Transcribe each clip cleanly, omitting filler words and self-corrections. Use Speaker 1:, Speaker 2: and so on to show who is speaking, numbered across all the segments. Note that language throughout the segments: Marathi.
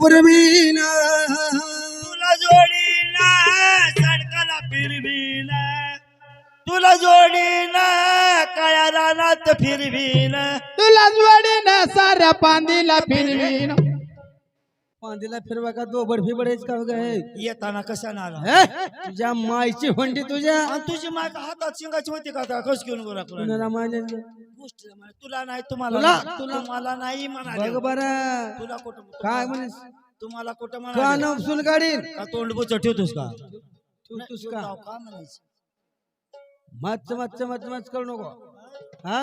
Speaker 1: पुरवीना
Speaker 2: तुला जोडीना सडकाला फिरवीना तुला जोडीना काळ्या रानात फिरवीना
Speaker 3: तुला जोडीनं साऱ्या पांदीला फिरवीन
Speaker 1: पांदीला फिरवा का दोबड फिबडेच का गं
Speaker 2: येताना कशा नाला
Speaker 1: तुझ्या मायची हुंडी तुझ्या
Speaker 2: आणि तुझी माय का हातात शिंगाची होती का आता कस घेऊन गोरा
Speaker 1: कुणाला मारले
Speaker 2: गोष्टीला म्हणे, तुला नाही तुम्हाला
Speaker 1: तुला-
Speaker 2: नाही.
Speaker 1: तुला-
Speaker 2: तुम्हाला नाही
Speaker 1: बघ
Speaker 2: म्हणाले
Speaker 1: बरं
Speaker 2: तुला कुठं
Speaker 1: काय म्हणेस
Speaker 2: तुम्हाला कुठं
Speaker 1: का
Speaker 2: म्हणाले
Speaker 1: नवसून गाडीन
Speaker 2: का तोंड बुच ठेवतोस का
Speaker 1: ठेवतोस का
Speaker 2: का म्हणायचं
Speaker 1: मच मच मच मच करू नको हा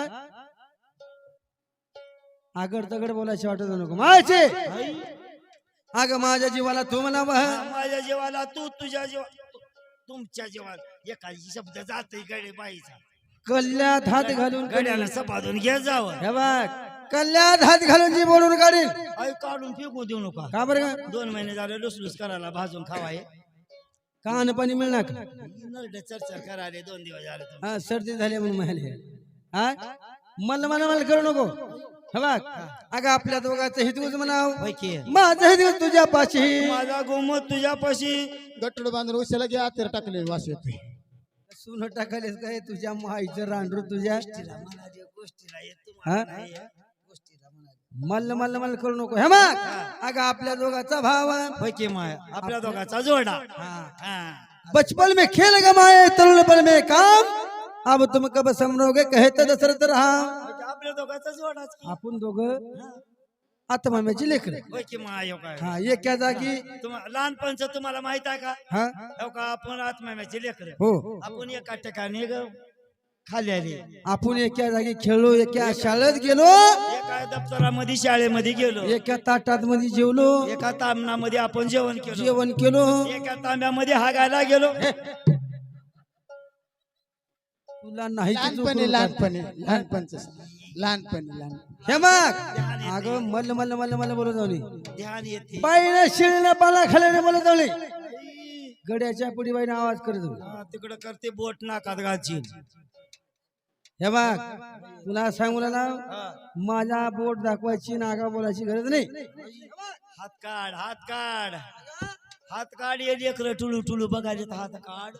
Speaker 1: आगड तगड बोलायची वाटत नको मायचे अगं माझ्या जीवाला तू म्हणा
Speaker 2: माझ्या जीवाला तू तुझ्या जीवा तुमच्या जीवाला एखादी शब्द जात गडे बाईचा
Speaker 1: कल्ल्यात हात घालून
Speaker 2: गड्याला सपादून घे जावं
Speaker 1: हे बघ कल्ल्यात हात घालून जी बोलून काढील
Speaker 2: आई काढून फेकू देऊ नका
Speaker 1: का बरं का
Speaker 2: 2 महिने झाले लुसलुस करायला भाजून खावाय
Speaker 1: कान पाणी मिळणार का
Speaker 2: नरडे चर्चा करायला 2 दिवस झाले तुम्ही.
Speaker 1: हा सर्दी झाली म्हणून म्हणाले हा मला मला मला करू नको हे बघ अगं आपल्या दोघांचं हितगुज म्हणाव
Speaker 2: होय की
Speaker 1: माझं हितगुज तुझ्या पाशी
Speaker 2: माझा गोमत तुझ्यापाशी
Speaker 3: गट्टड बांधून उशाला घ्या तेर टाकले वास येतोय
Speaker 1: सुन टाकालेस काय तुझ्या माईचं रांडरू तुझ्या
Speaker 2: म्हणाले गोष्टीला येत
Speaker 1: हा?
Speaker 2: तुम्हाला नाही या. गोष्टीला म्हणाले
Speaker 1: मल्ल मल्ल मल्ल करू नको हे मग अगं आपल्या दोघाचा भाव
Speaker 2: होय की माय आपल्या दोघाचा जोडा
Speaker 1: हा.
Speaker 2: हा.
Speaker 1: बचपन में खेल गमाए तरुणपन में काम अब तुम कब समरोगे कहे तर दशरथ रहा
Speaker 2: म्हणजे आपल्या दोघाचा जोडाच की.
Speaker 1: आपण दोघं आत्माम्याची लेकर
Speaker 2: होय की माय हो काय
Speaker 1: हा एका जागी
Speaker 2: लहानपणचं तुम्हाला माहित आहे का
Speaker 1: हा
Speaker 2: हो का आपण आत्म्याचे लेकर
Speaker 1: हो
Speaker 2: आपण एका ठिकाणी खाली आले
Speaker 1: आपण एका जागी खेळलो एका शाळेत गेलो
Speaker 2: एका दप्तरामध्ये शाळेमध्ये गेलो
Speaker 1: एका ताटात मध्ये जेवलो
Speaker 2: एका तामणामध्ये आपण जेवण केलं
Speaker 1: जेवण केलो
Speaker 2: एका तांब्यामध्ये हागायला गेलो
Speaker 1: तुला नाही की तू
Speaker 3: लहानपणी
Speaker 1: करू
Speaker 3: लहानपणी लहानपणच लहानपणी लहान
Speaker 1: हे मग अगं मल्ल मल्ल मल्ल मल्ल बोलत जाऊनी
Speaker 2: ध्यान येते
Speaker 1: बाईने शिळीने पाला खाल्याने बोलत जाऊनी गड्याच्या पुढे बाईने आवाज करत जाऊ
Speaker 2: तिकडे करते बोट नाकात घालची
Speaker 1: हे बघ तुला सांगू ना माझा बोट दाखवायची नागा बोलायची गरज नाही
Speaker 2: हात काढ हात काढ हात काढ ये लेकर टुलू टुलू बघायचे हात काढ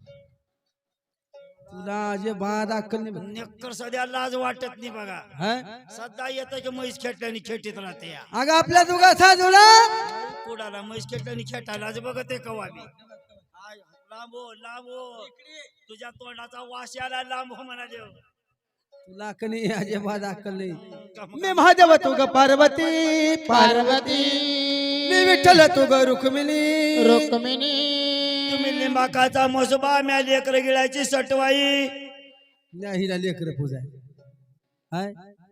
Speaker 1: तुला जे बाद अक्कल नाही बघ.
Speaker 2: नेकर सध्या लाज वाटत नाही बघा
Speaker 1: हा?
Speaker 2: सध्या येतं की म्हैस खेटल्याने खेटीत राहते या
Speaker 1: अगं आपल्या दोघाचा जोडा
Speaker 2: कुडाला म्हैस खेटल्याने खेटायलाच बघत आहे कवा मी लांबो लांबो तुझ्या तोंडाचा वास याला लांबो म्हणाले
Speaker 1: तुला कनी अजिबात अक्कल नाही मी महादेव तू ग पार्वती
Speaker 3: पार्वती
Speaker 1: मी विठ्ठल तू ग रुक्मिणी
Speaker 3: रुक्मिणी
Speaker 2: तुम्ही लिंबाकाचा मसोबा म्या लेकर गिळायची सटवाई
Speaker 1: हिला लेकर पूजा हाय